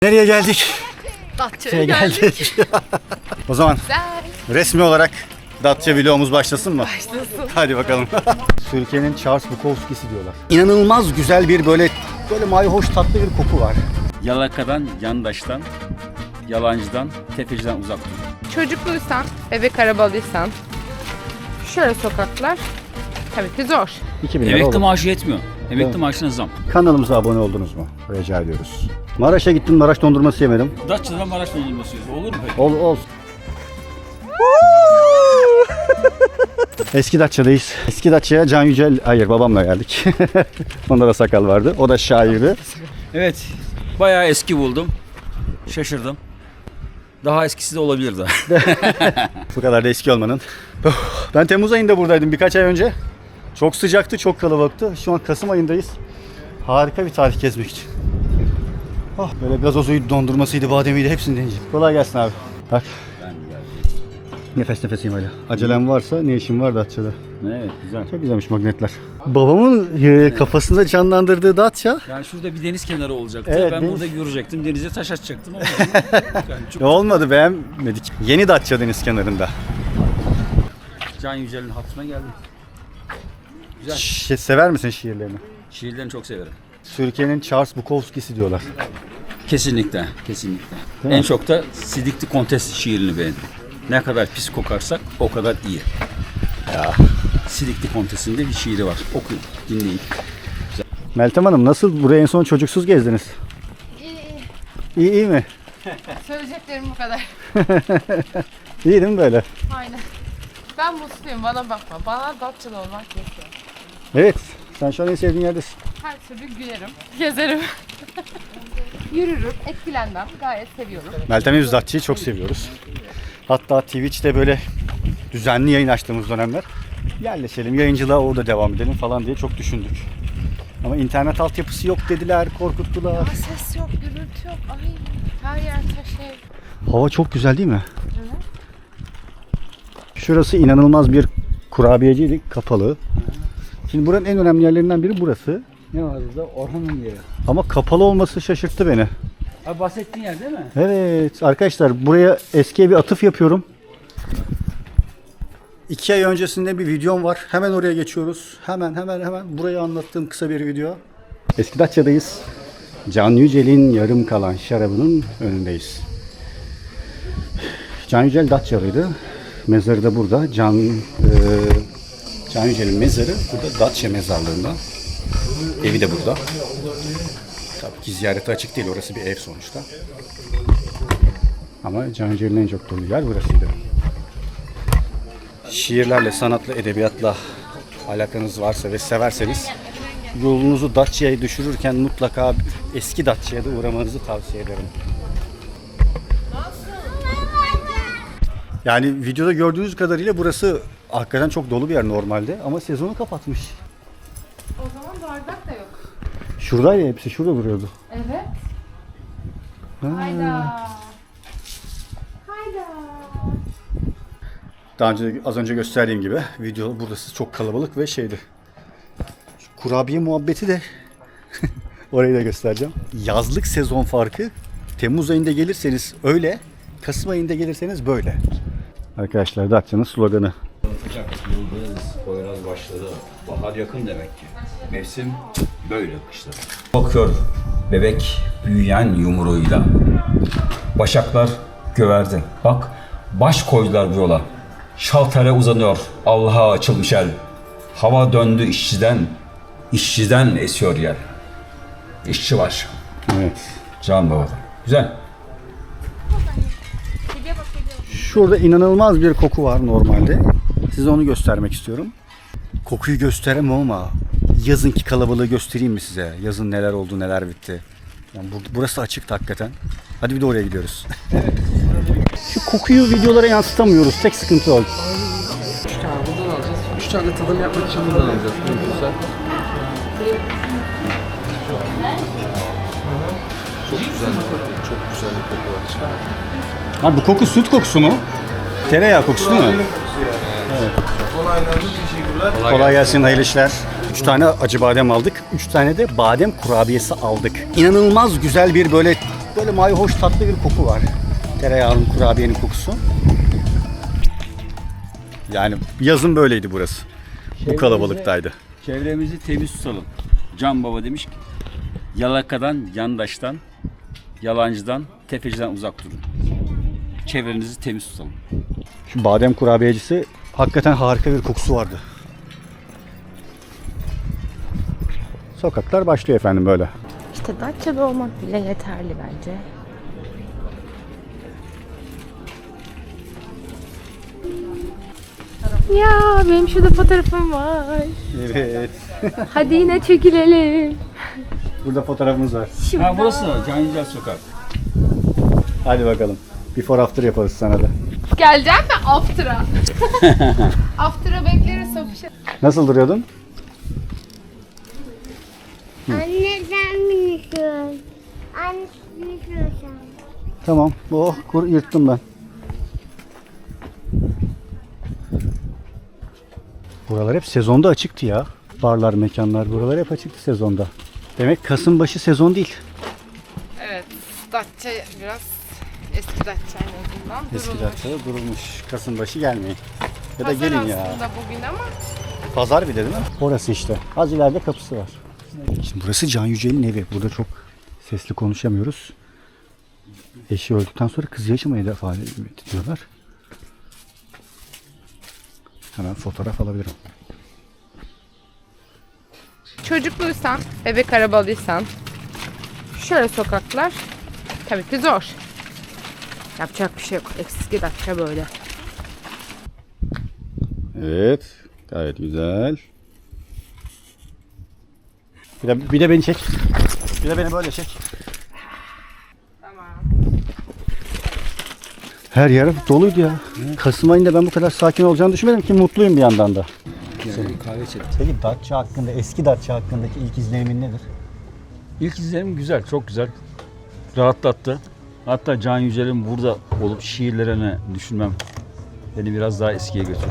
Nereye geldik? Datça'ya geldik. O zaman Güzel. resmi olarak Datça vlogumuz başlasın mı? Başlasın. Hadi bakalım. Türkiye'nin Charles Bukowski'si diyorlar. İnanılmaz güzel bir böyle mayhoş tatlı bir koku var. Yalakadan, yandaştan, yalancıdan, tefeciden uzak dur. Çocukluysan, bebek arabalıysan şöyle sokaklar tabii ki zor. 2000 lira Emekli olur. maaşı yetmiyor. Emekli Evet. maaşına zam. Kanalımıza abone oldunuz mu? Rica ediyoruz. Maraş'a gittim, Maraş dondurması yemedim. Datça'dan Maraş dondurması yiyoruz. Olur mu peki? Olsun. Eski Datça'dayız. Eski Datça'ya Can Yücel, hayır babamla geldik. Onda da sakal vardı. O da şairdi. Evet. Bayağı eski buldum. Şaşırdım. Daha eskisi de olabilirdi. Bu kadar da eski olmanın. Ben Temmuz ayında buradaydım birkaç ay önce. Çok sıcaktı, çok kalabalıktı. Şu an Kasım ayındayız. Harika bir tarih gezmek için. Oh, böyle gazozuydu, dondurmasıydı, bademiydi, hepsini deneyeceğim. Kolay gelsin abi. Bak. Nefes nefeseyim hala. Acelem varsa ne işim var Datça'da? Evet, güzel. Çok güzelmiş magnetler. Babamın kafasında canlandırdığı Datça. Yani şurada bir deniz kenarı olacaktı. Evet, ben deniz. burada görecektim. Denize taş atacaktım ama yani çok... Olmadı, beğenmedik. Yeni Datça deniz kenarında. Can Yücel'in hatırına geldim. Güzel. Sever misin şiirlerini? Şiirlerini çok severim. Türkiye'nin Charles Bukowski'si diyorlar. Kesinlikle, kesinlikle. Değil En mi? çok da Sidikli Kontes şiirini beğendim. Ne kadar pis kokarsak o kadar iyi. Ya. Sidikli Kontes'in de bir şiiri var. Okuyun, dinleyin. Meltem Hanım, nasıl buraya en son çocuksuz gezdiniz? İyi mi? Söyleyeceklerim bu kadar. İyi değil mi böyle? Aynen. Ben mutluyum, bana bakma. Bana Datça'da olmak yetiyor. Evet. Sen şu an en sevdiğin yerdesin. Her türlü gülerim, gezerim. Yürürüm, etkilenmem. Gayet seviyorum. Meltem biz Datça'yı çok seviyoruz. Hatta Twitch'te böyle düzenli yayın açtığımız dönemler yerleşelim, yayıncılığa orada devam edelim falan diye çok düşündük. Ama internet altyapısı yok dediler, korkuttular. Ses yok, gürültü yok. Ay, her yer taş ev. Hava çok güzel değil mi? Şurası inanılmaz bir kurabiyeciydi, kapalı. Şimdi buranın en önemli yerlerinden biri burası. Ne var burada? Orhan'ın yeri. Ama kapalı olması şaşırttı beni. Abi bahsettiğin yer değil mi? Evet arkadaşlar, buraya eskiye bir atıf yapıyorum. 2 ay öncesinde bir videom var. Hemen oraya geçiyoruz. Hemen burayı anlattığım kısa bir video. Eski Datça'dayız. Can Yücel'in yarım kalan şarabının önündeyiz. Can Yücel Datçalıydı. Mezarı da burada. Can Yücel'in mezarı burada Datça mezarlığında. Evi de burada. Tabii ki ziyarete açık değil. Orası bir ev sonuçta. Ama Can Yücel'in en çok dolu yer burasıydı. Şiirlerle, sanatla, edebiyatla alakanız varsa ve severseniz yolunuzu Datça'ya düşürürken mutlaka eski Datça'ya da uğramanızı tavsiye ederim. Yani videoda gördüğünüz kadarıyla burası hakikaten çok dolu bir yer normalde ama sezonu kapatmış. O zaman bardak da yok. Şuradaydı hepsi, şurada duruyordu. Evet. Hayda. Hayda. Daha önce az önce gösterdiğim gibi video burası çok kalabalık ve şeydi. Şu kurabiye muhabbeti de orayı da göstereceğim. Yazlık sezon farkı. Temmuz ayında gelirseniz öyle, Kasım ayında gelirseniz böyle. Arkadaşlar Datça'nın sloganı. Yıldız, Poyraz başladı. Bahar yakın demek ki. Mevsim böyle kışladı. Bakıyor bebek büyüyen yumruğuyla. Başaklar göverdi. Bak baş koydular bu yola. Şaltere uzanıyor Allah'a açılmış el. Hava döndü işçiden esiyor yer. İşçi var. Evet. Can babada. Güzel. Şurada inanılmaz bir koku var normalde. Size onu göstermek istiyorum. Kokuyu gösteremem ama yazınki kalabalığı göstereyim mi size? Yazın neler oldu, neler bitti. Yani burası açık hakikaten. Hadi bir de oraya gidiyoruz. Şu kokuyu videolara yansıtamıyoruz. Tek sıkıntı o. 3 tane buradan alacağız. 3 tane de tadım yapmak için buradan alacağız. Güzel. Çok güzel bir koku. Çok güzel bir koku var. Ha, bu koku süt kokusu mu? Tereyağı kokusu değil mi? Kolay gelsin, hayırlı işler. 3 tane acı badem aldık. 3 tane de badem kurabiyesi aldık. İnanılmaz güzel bir böyle Böyle mayhoş tatlı bir koku var. Tereyağının, kurabiyenin kokusu. Yani yazın böyleydi burası. Bu kalabalıktaydı. Çevremizi temiz tutalım. Can Baba demiş ki yalakadan, yandaştan, yalancıdan, tefeciden uzak durun. Çevrenizi temiz tutalım. Şu badem kurabiyecisi hakikaten harika bir kokusu vardı. Sokaklar başlıyor efendim böyle. İşte Datça'da olmak bile yeterli bence. Ya benim şurada fotoğrafım var. Evet. Hadi yine çekilelim. Burada fotoğrafımız var. Ha burası Can Yücel Sokak. Hadi bakalım. Before after yaparız sana da. Geleceğim mi after'a? After'a bekleriz Sofya. Nasıl duruyordun? Anne sen biniyorsun. Anne biniyorsun. Tamam. Oh, yırttım ben. Buralar hep sezonda açıktı ya. Barlar, mekanlar buralar hep açıktı sezonda. Demek Kasım başı sezon değil. Evet, Datça biraz eski Datça en azından Eski durulmuş. Datça'da durulmuş. Kasım başı gelmeyin. Ya da Pazar gelin ya. aslında bugün ama Pazar bir de değil mi? Orası işte. Az ileride kapısı var. Şimdi burası Can Yücel'in evi. Burada çok sesli konuşamıyoruz. Eşi öldükten sonra kızı yaşamaya defa ediyorlar. Hemen fotoğraf alabilirim. çocukluysan, bebek arabalıysan şöyle sokaklar tabii ki zor. Yapacak bir şey yok. Eski Datça böyle. Evet. Gayet güzel. Bir de beni çek. Bir de beni böyle çek. Tamam. Her yer doluydu ya. Kasım ayında ben bu kadar sakin olacağını düşünmedim ki mutluyum bir yandan da. Yani kahve içelim. Peki Datça hakkında, eski Datça hakkındaki ilk izlenimin nedir? İlk izlenim güzel, çok güzel. Rahatlattı. Hatta Can Yücel'in burada olup şiirlerini düşünmem beni biraz daha eskiye götürdü.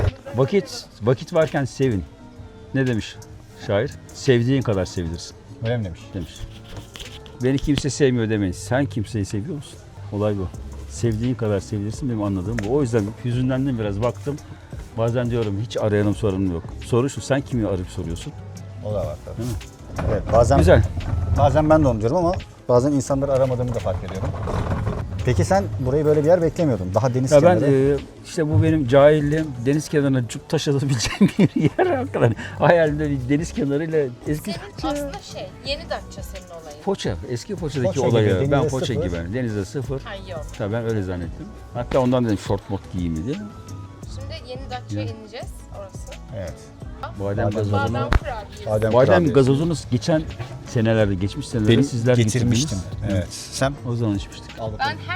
Vakit varken sevin. Ne demiş şair? Sevdiğin kadar sevilirsin Öyle mi demiş? demiş. Beni kimse sevmiyor demeyin. Sen kimseyi seviyor musun? Olay bu. Sevdiğin kadar sevilirsin, benim anladığım bu. O yüzden hüzünlendim biraz, baktım. Bazen diyorum hiç arayanım soranım yok. Soru şu, sen kimi arayıp soruyorsun? O da var tabii. Evet, bazen Güzel. Bazen ben de onu diyorum ama bazen insanları aramadığımı da fark ediyorum. Peki sen burayı böyle bir yer beklemiyordun. Daha deniz Ya ben kenarı. işte bu benim cahilliğim, deniz kenarına cuk taş atabileceğim bir yer hakikaten. Hayalimde bir deniz kenarıyla eski Aslında yeni Datça senin olayın. Foça, eski Foça'daki Foça olayı. gibi, Ben denize Foça sıfır. gibi, denize sıfır. Ay yok. Tabii ben öyle zannettim. Hatta ondan dedim short mod giyeyim diye. Şimdi yeni Datça'ya ineceğiz orası. Evet. Badem Badem gazozunu. Badem kurabiyesi. Badem Badem kurabiyesi. gazozunu geçen senelerde, geçmiş senelerde Benim sizler getirmiştim. getirdiniz. Evet. Sen O zaman içmiştik. al bakalım. Ben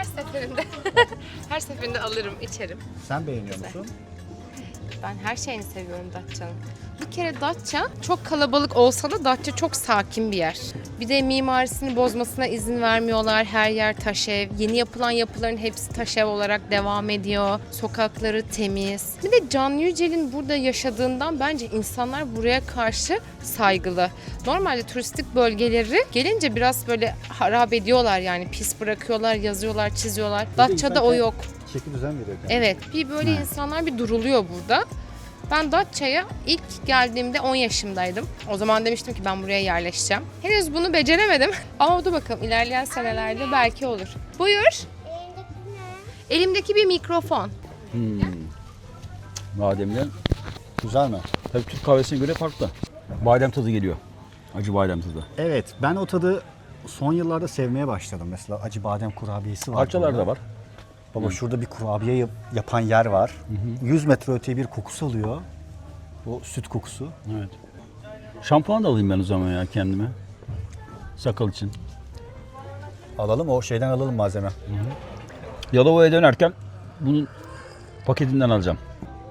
her seferinde alırım, içerim. Sen beğeniyor musun? Ben her şeyini seviyorum Datça'nın. Bir kere Datça çok kalabalık olsa da Datça çok sakin bir yer. Bir de mimarisini bozmasına izin vermiyorlar. Her yer taş ev. Yeni yapılan yapıların hepsi taş ev olarak devam ediyor. Sokakları temiz. Bir de Can Yücel'in burada yaşadığından bence insanlar buraya karşı saygılı. Normalde turistik bölgeleri gelince biraz böyle harap ediyorlar, yani pis bırakıyorlar, yazıyorlar, çiziyorlar. Datça'da o yok. Çeki düzen veriyor kendine. Evet, bir böyle insanlar bir duruluyor burada. Ben Datça'ya ilk geldiğimde 10 yaşımdaydım. O zaman demiştim ki ben buraya yerleşeceğim. Henüz bunu beceremedim ama dur bakalım ilerleyen senelerde belki olur. Buyur. Elimdeki bir mikrofon. Bademden. Güzel mi? Tabii Türk kahvesine göre farklı. Badem tadı geliyor. Acı badem tadı. Evet. Ben o tadı son yıllarda sevmeye başladım. Mesela acı badem kurabiyesi var. Parçalar burada. da var. Baba şurada bir kurabiye yapan yer var. 100 metre öteye bir kokusu alıyor. O süt kokusu. Evet. Şampuan da alayım ben o zaman ya kendime. Sakal için. Alalım, o şeyden alalım malzeme. Yalova'ya dönerken bunun paketinden alacağım.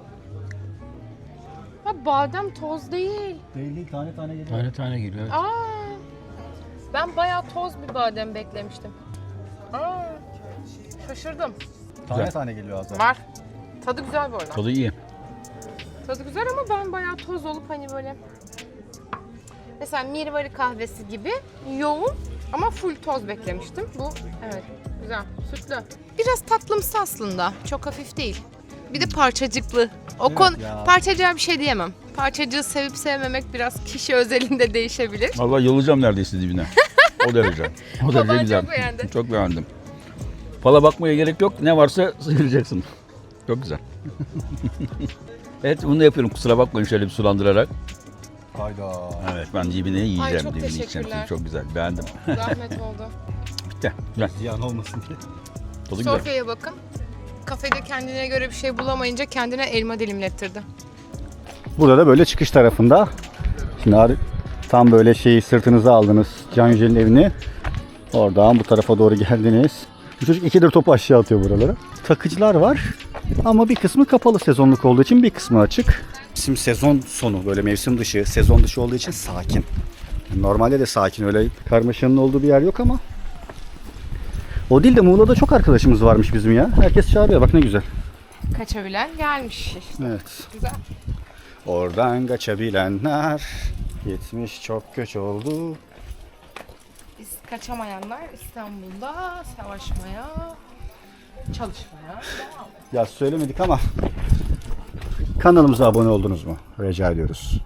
Ha, badem toz değil. Değil, tane tane geliyor. Tane tane geliyor. Evet. Aa, ben bayağı toz bir badem beklemiştim. Aa, şaşırdım. Tane Güzel. tane geliyor az daha. Var. Tadı güzel bu arada. Tadı iyi. Tadı güzel ama ben bayağı toz olup hani böyle mesela Mirvari kahvesi gibi yoğun Ama full toz beklemiştim. Bu evet güzel, sütlü. Biraz tatlımsı aslında. Çok hafif değil. Bir de parçacıklı. O konu ya. parçacığa bir şey diyemem. Parçacığı sevip sevmemek biraz kişi özelinde değişebilir. Vallahi yolacağım neredeyse dibine. O derece. O derece Baban güzel. çok beğendi. Çok beğendim. Fala bakmaya gerek yok. Ne varsa sıyıracaksın. Çok güzel. Evet bunu da yapıyorum. Kusura bakmayın şöyle bir sulandırarak. Hayda. Evet ben dibine yiyeceğim. çok Dibine yiyeceğim. teşekkürler. Çok güzel. Beğendim. Zahmet oldu. Bitti. Güzel. Ziyan olmasın diye. Tadı güzel. Sofya'ya bakın. Kafede kendine göre bir şey bulamayınca kendine elma dilimlettirdi. Burada da böyle çıkış tarafında. Şimdi tam böyle şeyi sırtınıza aldınız. Can Yücel'in evini. Oradan bu tarafa doğru geldiniz. Bu çocuk ikidir topu aşağı atıyor buralara. Takıcılar var. Ama bir kısmı kapalı sezonluk olduğu için bir kısmı açık. Bizim sezon sonu böyle mevsim dışı, sezon dışı olduğu için sakin. Normalde de sakin, öyle karmaşanın olduğu bir yer yok ama. O değil de Muğla'da çok arkadaşımız varmış bizim ya. Herkes çağırıyor, bak ne güzel. Kaçabilen gelmiş işte. Evet. Güzel. Oradan kaçabilenler gitmiş çok göç oldu. Biz kaçamayanlar İstanbul'da savaşmaya, çalışmaya devam. Ya söylemedik ama kanalımıza abone oldunuz mu? Rica ediyoruz.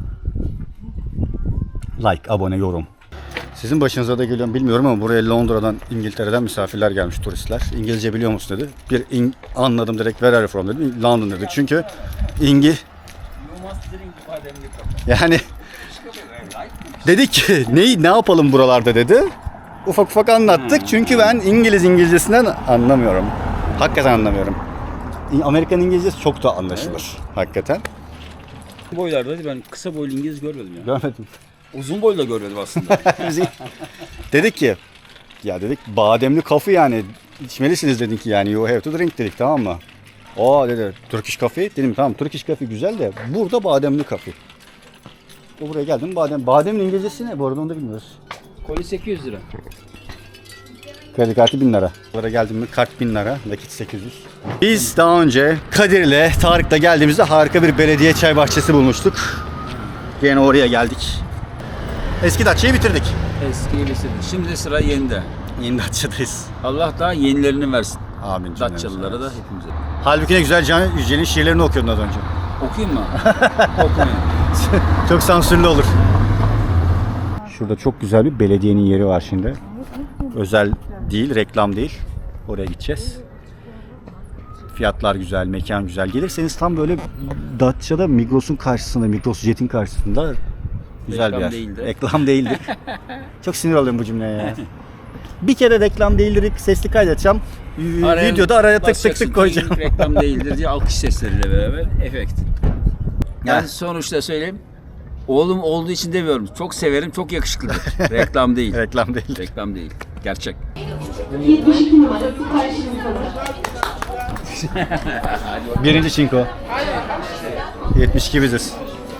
Like, abone, yorum. Sizin başınıza da geliyor mu bilmiyorum ama buraya Londra'dan, İngiltere'den misafirler gelmiş, turistler. İngilizce biliyor musun dedi. Anladım direkt, where are you from dedim. London dedi. Çünkü yani dedik ki ne yapalım buralarda dedi. Ufak ufak anlattık çünkü ben İngilizcesinden anlamıyorum. Hakikaten anlamıyorum. Amerikan İngilizcesi çok da anlaşılır hakikaten. Boylarda ben kısa boylu İngiliz görmedim ya. Görmedim. Uzun boylu da görmedim aslında. Dedik ki ya dedik bademli coffee yani içmelisiniz dedik ki yani you have to drink dedik, tamam mı? O dedi Turkish coffee dedim, tamam Turkish coffee güzel de burada bademli coffee. O buraya geldim bademin İngilizcesi ne bu arada onu da bilmiyoruz. Koli 800 lira. Kredi kartı 1000 lira. Buraya geldim mi kart 1000 lira, nakit 800. Biz daha önce Kadir'le Tarık'la geldiğimizde harika bir belediye çay bahçesi bulmuştuk. Yine oraya geldik. Eski Datça'yı bitirdik. Eskiyi bitirdik. Şimdi sıra yenide. Yeni Datça'dayız. Allah daha yenilerini versin. Amin. Datçalılara da hepimize. Halbuki ne güzel Can Yücel'in şiirlerini okuyordun az önce. Okuyayım mı? Okumayın. Çok sansürlü olur. Şurada çok güzel bir belediyenin yeri var şimdi. Özel değil, reklam değil. Oraya gideceğiz. Fiyatlar güzel, mekan güzel. Gelirseniz tam böyle Datça'da Migros'un karşısında, Migros Jet'in karşısında güzel bir yer. Değildir. Reklam değildir. Çok sinir oluyorum bu cümleye ya. Bir kere reklam değildir sesli kaydedeceğim. Videoda araya tık tık tık koyacağım. Reklam değildir diye alkış sesleriyle beraber efekt. Yani sonuçta söyleyeyim. Oğlum olduğu için demiyorum. Çok severim, çok yakışıklıdır. Reklam değil. Reklam değil. Reklam değil. Gerçek. 72 numara karşınızdadır. Birinci çinko. 72 biziz.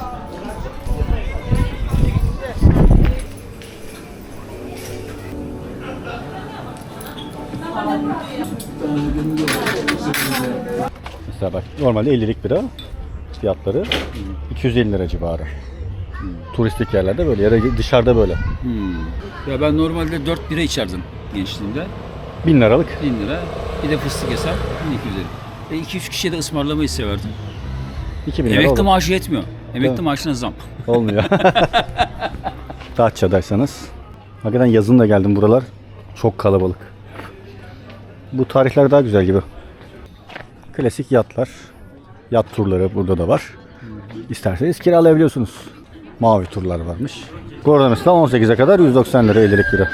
Mesela bak normalde 50'lik bira fiyatları 250 lira civarı. Turistik yerlerde böyle ya da dışarıda böyle. Ya ben normalde 4 bira içerdim gençliğimde. 1000 liralık. 1000 lira. Bir de fıstık hesap 1250. 2-3 kişiye de ısmarlamayı severdim. 2000 lira Emekli olur. maaşı yetmiyor. Emekli Evet. maaşına zam. Olmuyor. Datça'daysanız. Hakikaten yazın da geldim buralar. Çok kalabalık. Bu tarihler daha güzel gibi. Klasik yatlar. Yat turları burada da var. İsterseniz kiralayabiliyorsunuz. Mavi turlar varmış. Gordon'da 18'e kadar 190 lira 50'lik bira.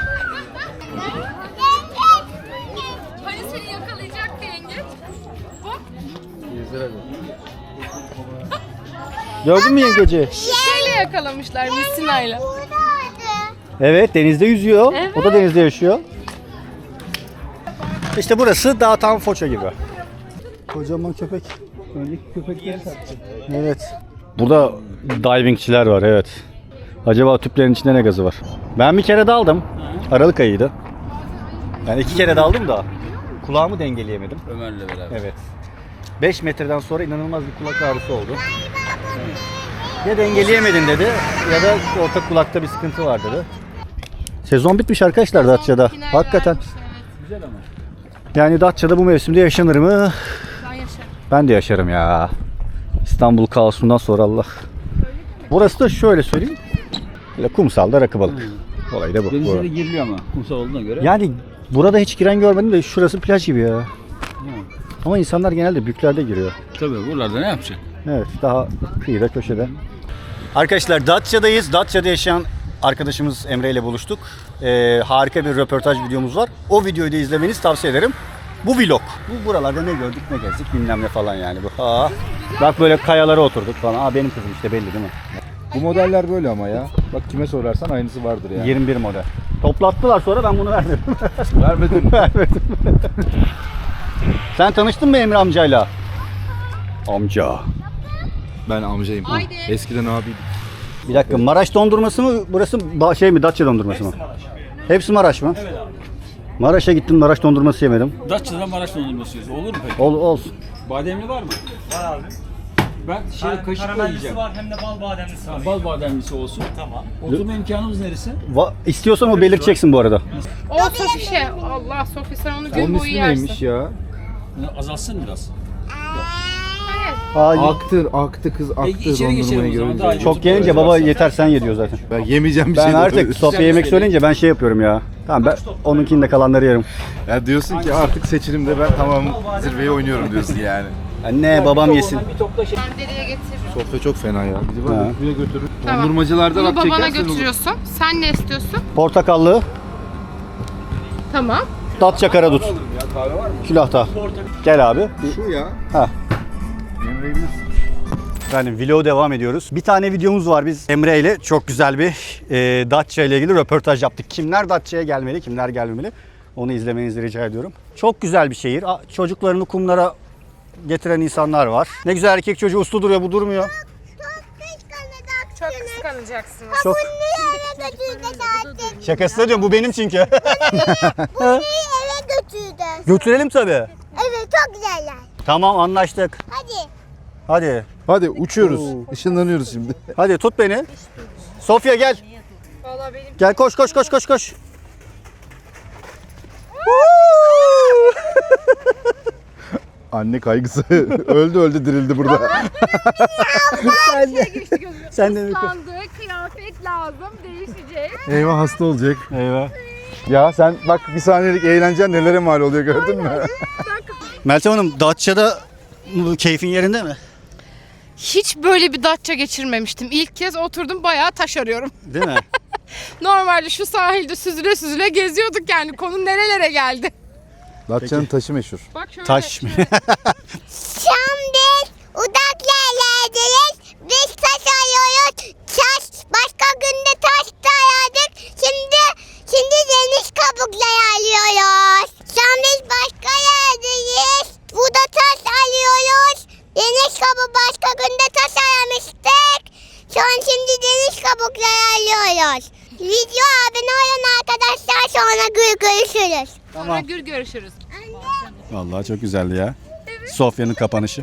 Hani seni yakalayacaktı yengeç? Gördün mü yengeci? Şeyle yakalamışlar misinayla. Evet, denizde yüzüyor. O da denizde yaşıyor. İşte burası daha tam Foça gibi. Kocaman köpek. Öndeki köpekleri sattı. Evet. Burada divingçiler var, evet. Acaba tüplerin içinde ne gazı var? Ben bir kere daldım. Aralık ayıydı. Yani 2 kere daldım da kulağımı dengeleyemedim. Ömer'le beraber. Evet. 5 metreden sonra inanılmaz bir kulak ağrısı oldu. Ya dengeleyemedin dedi ya da orta kulakta bir sıkıntı var dedi. Sezon bitmiş arkadaşlar Datça'da. Final Hakikaten. gelmiş, evet. Güzel ama. Yani Datça'da bu mevsimde yaşanır mı? Ben yaşarım. Ben de yaşarım ya. İstanbul kaosundan sonra Allah. Burası da şöyle söyleyeyim. Böyle kumsalda rakı balık. Olay da bu. Denize de giriliyor ama kumsal olduğuna göre. Yani burada hiç giren görmedim de şurası plaj gibi ya. Ama insanlar genelde büyüklerde giriyor. Tabii buralarda ne yapacak? Evet, daha kıyıda köşede. Arkadaşlar Datça'dayız. Datça'da yaşayan arkadaşımız Emre ile buluştuk. Harika bir röportaj videomuz var. O videoyu da izlemenizi tavsiye ederim. Bu vlog. Bu buralarda ne gördük ne gezdik bilmem ne falan yani bu. Ha. Bak böyle kayalara oturduk falan. Aa benim kızım işte belli değil mi? Bu modeller böyle ama ya. Bak kime sorarsan aynısı vardır yani. 21 model. Toplattılar sonra ben bunu vermedim. Vermedin mi? Vermedim. Sen tanıştın mı Emre amcayla? Amca. Ben amcayım. Haydi. Eskiden abiydik. Bir dakika Maraş dondurması mı burası şey mi Datça dondurması mı? Hepsi Maraş mı? Evet abi. Maraş'a gittim Maraş dondurması yemedim. Datça'dan Maraş dondurması yiyoruz. Olur mu peki? Olsun. Bademli var mı? Var abi. Ben kaşıkla yiyeceğim. var hem de bal bademlisi var. Bal bademlisi olsun. Tamam. Oturma imkanımız neresi? İstiyorsan o belirteceksin bu arada. O sofişe. Allah Sofi sen onu gün Onun boyu ismi yersin. neymiş ya? Azalsın biraz. Aktı kız aktı içeri geçelim dondurmayı o zaman, görünce. daha iyi. Çok gelince baba yeter sen ye diyor zaten. Ben yemeyeceğim bir Ben şey. artık Sofya yemek söyleyince ben şey yapıyorum ya. Tamam ben onunkinde kalanları yerim. Ya diyorsun ki artık seçilimde ben tamam zirveye oynuyorum diyorsun yani. Anne babam yesin. Nereye getir? Sofya çok fena ya. Bizi Ha. bak buraya götürür. Tamam. Dondurmacılarda Bunu bak babana çekersen olur. götürüyorsun. Sen ne istiyorsun? Portakallı, Tamam. Datça karadut. Külahta. Gel abi. Şu ya. Ha. Emre'yi bilirsin. Yani vlog devam ediyoruz. Bir tane videomuz var biz Emre ile çok güzel bir Datça ile ilgili röportaj yaptık. Kimler Datça'ya gelmeli, kimler gelmemeli onu izlemenizi rica ediyorum. Çok güzel bir şehir. Çocuklarını kumlara getiren insanlar var. Ne güzel erkek çocuğu uslu duruyor, bu durmuyor. Çok kıskanacaksınız. Çok Eve götürdü zaten. şakası da diyorum, bu benim çünkü. Eve götürdü. Götürelim tabii. Evet çok güzeller. Tamam anlaştık. Hadi. Hadi. Hadi uçuyoruz. Işınlanıyoruz şimdi. Hadi tut beni. Sofya gel. Vallahi benim Gel koş. Anne kaygısı. öldü dirildi burada. Sen de sandığı kıyafet lazım değişecek. Eyvah hasta olacak. Eyvah. Ya sen bak bir saniyelik eğlencen nelere mal oluyor gördün mü? Meltem Hanım Datça'da keyfin yerinde mi? Hiç böyle bir Datça geçirmemiştim. İlk kez oturdum bayağı taş arıyorum. Değil mi? Normalde şu sahilde süzüle süzüle geziyorduk yani. Konu nerelere geldi? Datça'nın taşı meşhur. Bak şöyle. Taş mı? Şimdi uzak yerlerdeyiz. Biz taş arıyoruz. Başka günde taş da aradık. Şimdi deniz kabukları arıyoruz. Şu an biz başka yerdeyiz. Burada taş arıyoruz. Deniz kabuğu başka günde taş aramıştık. Şu an şimdi deniz kabukları arıyoruz. Video abone olun arkadaşlar, sonra görüşürüz. Sonra gür görüşürüz. Vallahi çok güzeldi ya. Sofya'nın kapanışı.